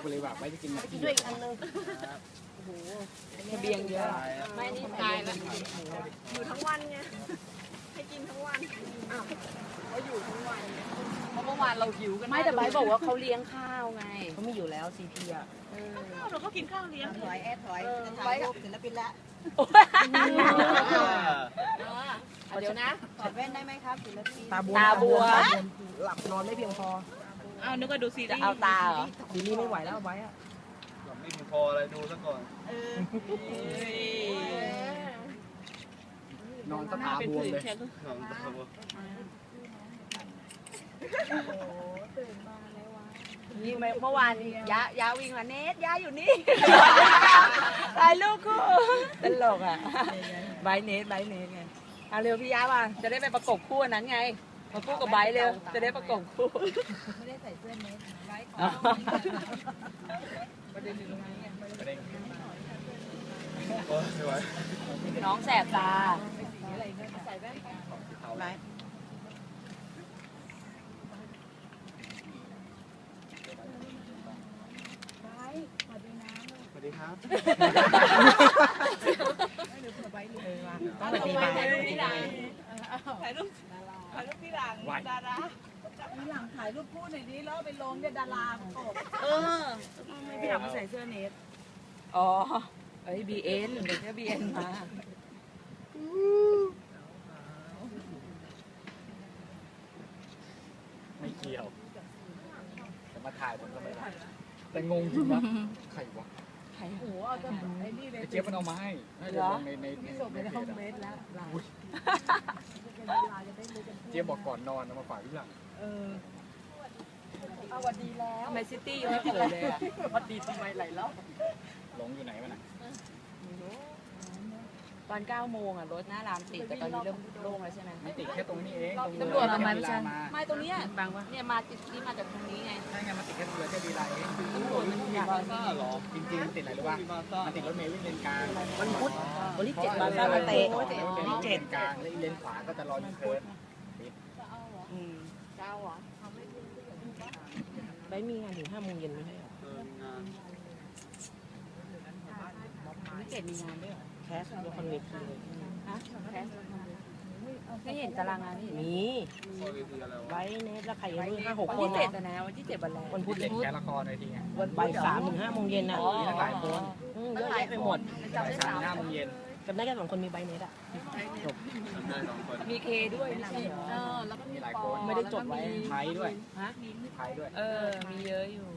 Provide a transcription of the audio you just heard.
ไปเลยว่าไว้จะกินกินด้วยอีกอันนึงโอ้โหเบียงเยอะไม่นี่ตายแล้วอยู่ทั้งวันไงให้กินทั้งวันอ้าวเขาอยู่ทั้งวันเพราะเมื่อวานเราหิวกันไม่แต่ใบบอกว่าเขาเลี้ยงข้าวไงเขาไม่อยู่แล้วซีพีอ่ะเราก็กินข้าวเลี้ยงถอยจะถ่ายรูปศิลปินละเดี๋ยวนะถอดแว่นได้ไหมครับศิลปินตาบัวหลับนอนไม่เพียงพออ้าวนึกว่าดูซีรีส์จะเอาตาเหรอซีรีส์ไม่ไหวแล้วไว้อะหลับไม่เพียงพออะไรดูซะก่อนนอนตาบวมเลยนอนตาบวมนี่เมื่อวานยาวิ่งมาเนทยาอยู่นี่ถ่ายรูปคู่ตลกอ่ะไบเนทไงเอาเร็วพี่ยามาจะได้ไปประกบคู่นั้นไงมาคู่กับไบเร็วจะได้ประกบคู่ไม่ได้ใส่เสื้อเนทไบขอประเด็นอยู่ตรงนี้โอ้ยไม่ไหวน้องแสบตาใส่แว่นไบสวัสดีครับต้องไปตีถ่ายรูปพี่หลังดาราพี่หลังถ่ายรูปคู่หน่อยดิแล้วไปลงเนี่ยดาราไม่พี่หลังมาใส่เสื้อเนทอ๋อเอ้ยBNเดี๋ยวจะBNมาไม่เกี่ยวจะมาถ่ายผมก็ไม่ได้แต่งงจริงวะใครวะโอ้โหเอาจะไอ้นี่เลยเจี๊ยบมันเอามาให้เหรอในส่งไปในห้องเมสแล้วเจี๊ยบบอกก่อนนอนมาฝากพี่หลังเอาวันดีแล้วทำไมซิตี้ยังไม่โผล่เลยอ่ะวันดีทำไมไหลแล้วหลงอยู่ไหนวะน่ะตอน9 โมงอ่ะรถหน้ารามติดแต่ตอนนี้เริ่มโล่งแล้วใช่ไหมไม่ติดแค่ตรงนี้เองตำรวจทำไมไม่ใช่ไม่ตรงนี้บางวะเนี่ยมาติดนี่มาจากตรงนี้ไงใช่ไงมันติดแค่ตรงแค่ดีไลน์เองตำรวจมันอยากจริงๆติดอะไรรู้ป่ะมันติดรถเมล์วิ่งเลนกลางวันพุธวันที่7มาซ่ามาเตะวันที่7กลางแล้วเลนขวาก็จะรอยูเทิร์นเจ้าเหรอไม่มีงานถึง5 โมงเย็นไม่ใช่หรอวันที่7มีงานด้วยเหรอแคสละครเวทีเลยฮะแคสไม่เห็นตารางงานไม่เห็นมีไว้เนสแล้วใครยัง5 6 คนนะวันที่7วันแรกวันพุธแค่ละครในทีไงวันบ่าย3 ถึง 5 โมงเย็นนะมีหลายคนเยอะแยะไปหมดบ่าย3 5 โมงเย็นจำได้แค่2 คนมีใบเนสอ่ะจบมีเคด้วยไม่ใช่แล้วก็มีหลายคนไม่ได้จดไว้ไทยด้วยฮะมีไทยด้วยมีเยอะอยู่